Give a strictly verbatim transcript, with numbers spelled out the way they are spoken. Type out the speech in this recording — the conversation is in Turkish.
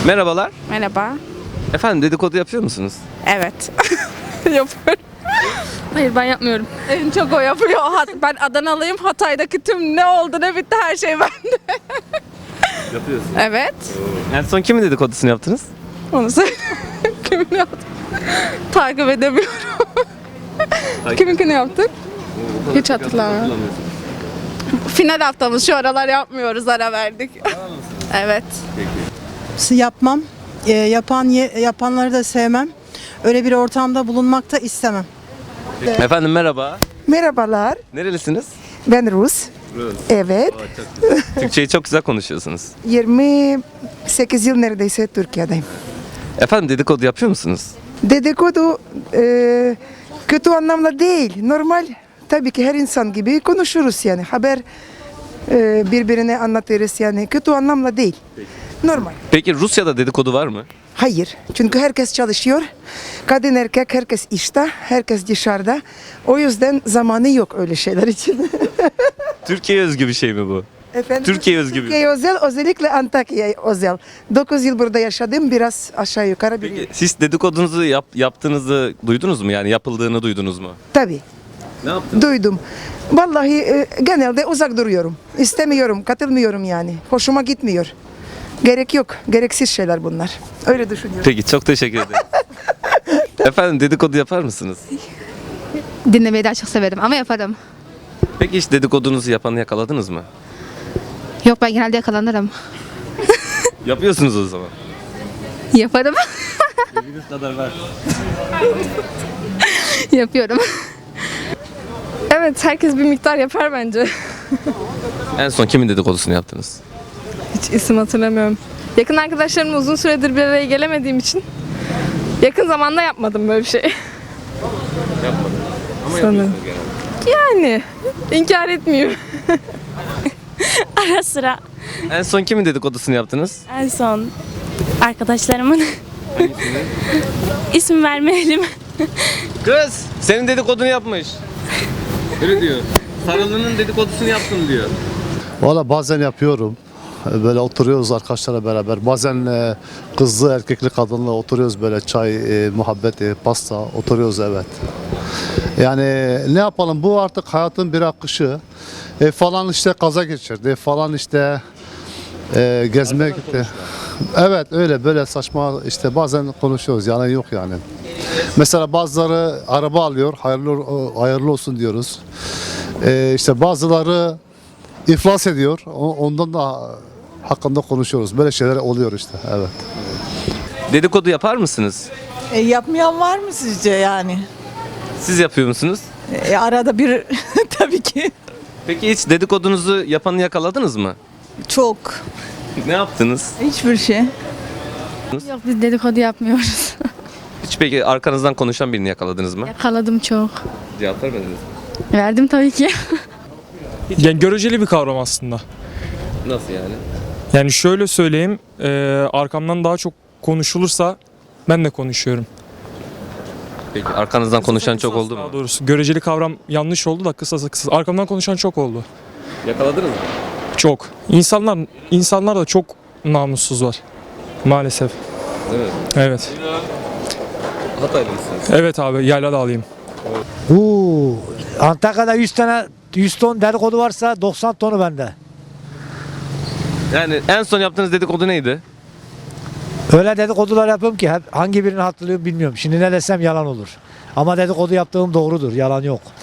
Merhabalar. Merhaba. Efendim dedikodu yapıyor musunuz? Evet. Yapıyorum. Hayır, ben yapmıyorum. En çok o yapıyor. Hat- Ben Adanalıyım. Hatay'daki tüm ne oldu ne bitti her şey bende. Yapıyorsun. Evet. En son kimin dedikodusunu yaptınız? Onu söyle. Kimin yaptı? Takip edemiyorum. Kiminkini yaptık? Hiç hatırlamıyorum. Final haftamız, şu aralar yapmıyoruz, ara verdik. Evet. Yapmam. E, yapan ye- yapanları da sevmem. Öyle bir ortamda bulunmak da istemem. Efendim merhaba. Merhabalar, Nerelisiniz? ben Rus. Rus. Evet, Türkçeyi çok güzel konuşuyorsunuz. yirmi sekiz yıl neredeyse Türkiye'deyim. Efendim dedikodu yapıyor musunuz? Dedikodu e, kötü anlamda değil, normal. Tabii ki her insan gibi konuşuruz yani. Haber e, birbirine anlatırız yani. Kötü anlamda değil. Normal. Peki Rusya'da dedikodu var mı? Hayır. Çünkü herkes çalışıyor. Kadın erkek herkes işte, herkes dışarıda. O yüzden zamanı yok öyle şeyler için. Türkiye'ye özgü bir şey mi bu? Efendim, Türkiye özgü bir- Türkiye özel, özellikle Antakya özel. dokuz yıl burada yaşadım, biraz aşağı yukarı biliyorum. Peki siz dedikodunuzu yap, yaptığınızı duydunuz mu? Yani yapıldığını duydunuz mu? Tabii, Ne yaptınız? duydum. Vallahi e, genelde uzak duruyorum. İstemiyorum, katılmıyorum yani. Hoşuma gitmiyor. Gerek yok, gereksiz şeyler bunlar. Öyle düşünüyorum. Peki çok teşekkür ederim. Efendim dedikodu yapar mısınız? Dinlemeyi daha çok severim ama yaparım. Peki hiç dedikodunuzu yapanı yakaladınız mı? Yok, ben genelde yakalanırım. Yapıyorsunuz o zaman. Yaparım. Dediğiniz kadar var. Yapıyorum. Evet, herkes bir miktar yapar bence. En son kimin dedikodusunu yaptınız? Hiç isim hatırlamıyorum. Yakın arkadaşlarımla uzun süredir bir araya gelemediğim için yakın zamanda yapmadım böyle bir şey. Yapmadım. Ama Sanırım. yapıyorsunuz genelde. Yani inkar etmiyorum. Ara sıra En son kimin dedikodusunu yaptınız? en son arkadaşlarımın isim vermeyelim. Kız senin dedikodunu yapmış. Öyle diyor. Sarılı'nın dedikodusunu yaptım diyor. Valla bazen yapıyorum. Böyle oturuyoruz arkadaşlarla beraber. Bazen e, kızlı, erkekli, kadınla oturuyoruz böyle çay, e, muhabbet, e, pasta oturuyoruz evet. Yani ne yapalım bu artık hayatın bir akışı. E, falan işte kaza geçirdi, falan işte e, gezmeye gitti. Evet öyle böyle saçma işte bazen konuşuyoruz yani yok yani. Mesela bazıları araba alıyor, hayırlı hayırlı olsun diyoruz. E, işte bazıları iflas ediyor. O- Ondan da hakkında konuşuyoruz. Böyle şeyler oluyor işte. Evet. Dedikodu yapar mısınız? E, yapmayan var mı sizce yani? Siz yapıyor musunuz? E, arada bir tabii ki Peki hiç dedikodunuzu yapanı yakaladınız mı? çok. Ne yaptınız? Hiçbir şey. Yok, biz dedikodu yapmıyoruz. Hiç peki arkanızdan konuşan birini yakaladınız mı? Yakaladım çok. Cevap vermediniz. Verdim tabii ki. Yani göreceli bir kavram aslında. Nasıl yani? Yani şöyle söyleyeyim, e, arkamdan daha çok konuşulursa ben de konuşuyorum. Peki arkanızdan konuşan çok oldu Daha mu? doğrusu göreceli kavram yanlış oldu da kısasa kısa. Arkamdan konuşan çok oldu. Yakaladınız mı? Çok. İnsanlar insanlar da çok namussuz var. Maalesef. Değil mi? Evet. Hataylı mısınız? Evet abi, yayla da alayım. Uuu, Antakya'da yüz tane yüz ton dedikodu varsa doksan tonu bende. Yani en son yaptığınız dedikodu neydi? Öyle dedikodular yapıyorum ki hep hangi birini hatırlıyorum bilmiyorum. Şimdi ne desem yalan olur. Ama dedikodu yaptığım doğrudur, yalan yok.